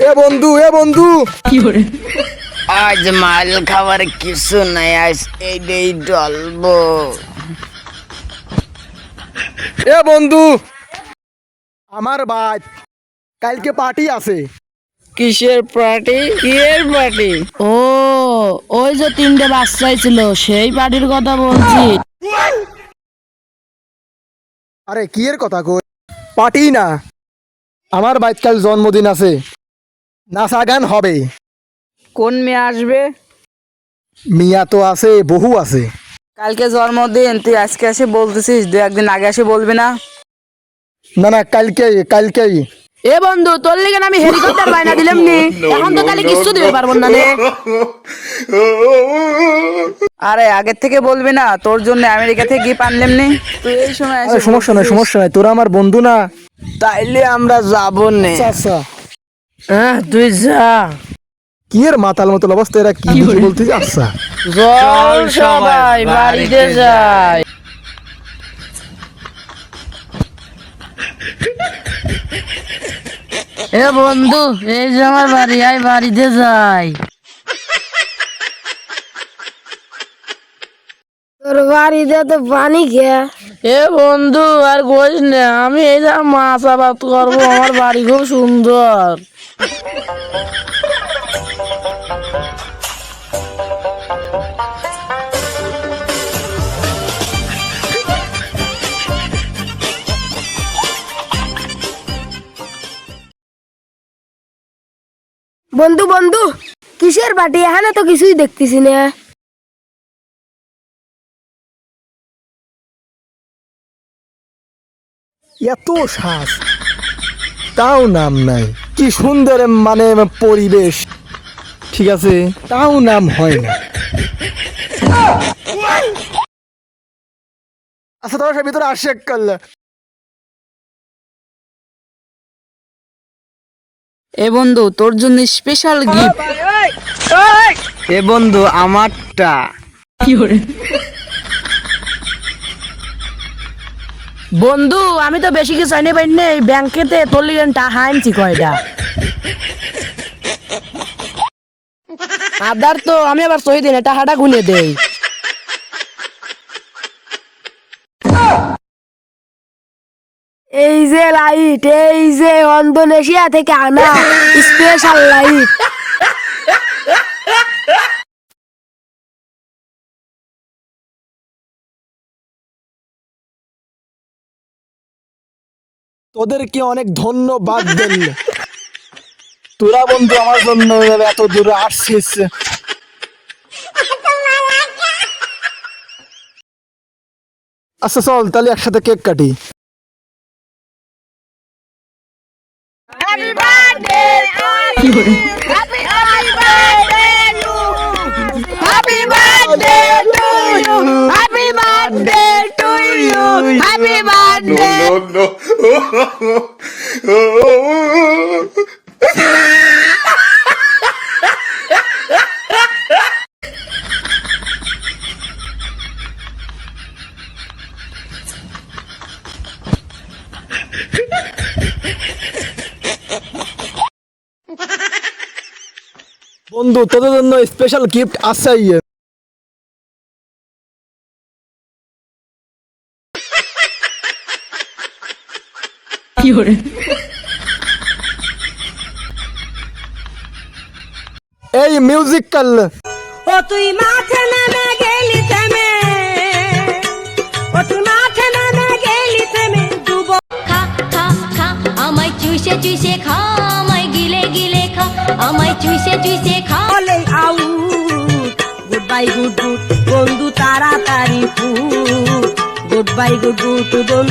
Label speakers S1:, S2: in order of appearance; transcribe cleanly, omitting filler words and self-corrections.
S1: এ বন্ধু
S2: কি করে?
S3: আজ মাল খাবার কিছু নাই, আজ এইটাই ডলবো।
S1: এ বন্ধু, আমার ভাই কালকে পার্টি আছে।
S3: কিসের পার্টি? কিয়ের পার্টি?
S2: ও, ওই যে তিনটে বাচ্চাই ছিল সেই পার্টির কথা বলছি।
S1: আরে কি এর কথা কই? পার্টি না, আমার ভাই কাল জন্মদিন আছে, নাচা গান হবে।
S3: কোন মেয়ে আসবে?
S1: মিয়া তো আছে, বহু আছে।
S3: কালকে জন্মদিন, তুই আজকে এসে বলতেছিস, দু একদিন আগে এসে বলবি না?
S1: না না, কালকেই।
S2: এ বন্ধু, তোর লিগে আমি হেলিকপ্টার বায়না দিলাম নি, এখন তো তাহলে কিছু দিতে পারবো না রে।
S3: আরে আগের থেকে বলবি না, তোর জন্য আমেরিকা থেকে গিফট আনলাম নি, তুই এই সময়
S1: আরে সমস্যা নাই, তোরা আমার বন্ধু না।
S3: তাইলে আমরা যাবো নে।
S1: আচ্ছা
S2: তুই যা।
S1: কি এর মাতাল মতো অবস্থা, এরা কি বলতেছে? আচ্ছা
S2: চল সবাই বাড়িতে যাই। এ বন্ধু, এই যে আমার বাড়ি, আয় বাড়িতে যাই।
S4: তোর বাড়িতে তো পানি খেয়ে
S2: এ বন্ধু, আর কইস না, আমি এই যে মাছ আবাদ করবো, আমার বাড়ি খুব সুন্দর।
S4: বন্ধু বন্ধু, কিসের পার্টি? এখানে তো কিছুই দেখতেছি না।
S1: এত শ্বাস, তাও নাম নাই। কি সুন্দর মানে পরিবেশ, ঠিক আছে, তাও নাম হয় না। আচ্ছা তোর ভিতরে আসে কাল।
S3: এ বন্ধু, তোর জন্য স্পেশাল গিফট। এ বন্ধু, আমারটা।
S2: কি করে? বন্ধু, আমি তো বেশি কিছু চাইনি পাই নেই, ব্যাংকেতে তোর লিগে টাকা আনছি কয়টা। আদার তো আমি আবার সহি দিনে টাকাটা গুনে দেই।
S4: এই যে লাইট, এই যে ইন্দোনেশিয়া থেকে আনা স্পেশাল লাইট।
S1: তোদেরকে অনেক ধন্যবাদ দিল, তোরা বন্ধু আমার জন্য এত দূরে আসছিস। আচ্ছা চল তাহলে একসাথে কেক কাটি।
S2: কি করে?
S1: বন্ধু তোদের জন্য স্পেশাল গিফট আছে।
S2: কি করে?
S1: এই মিউজিক কাল।
S5: ও তুই মাঠে নেমে গেলি থেমে, ও তুই মাঠে নেমে গেলি থেমে, ডুব
S6: খা খা খা আমায় চুষে চুষে খা, আমায় গিলে গিলে খা, আমায় চুষে চুষে খা।
S5: বলে আউ গুড বাই গুড গুড, বন্ধু তাড়াতাড়ি ফুট, গুড বাই গুড গুড বন্ধু।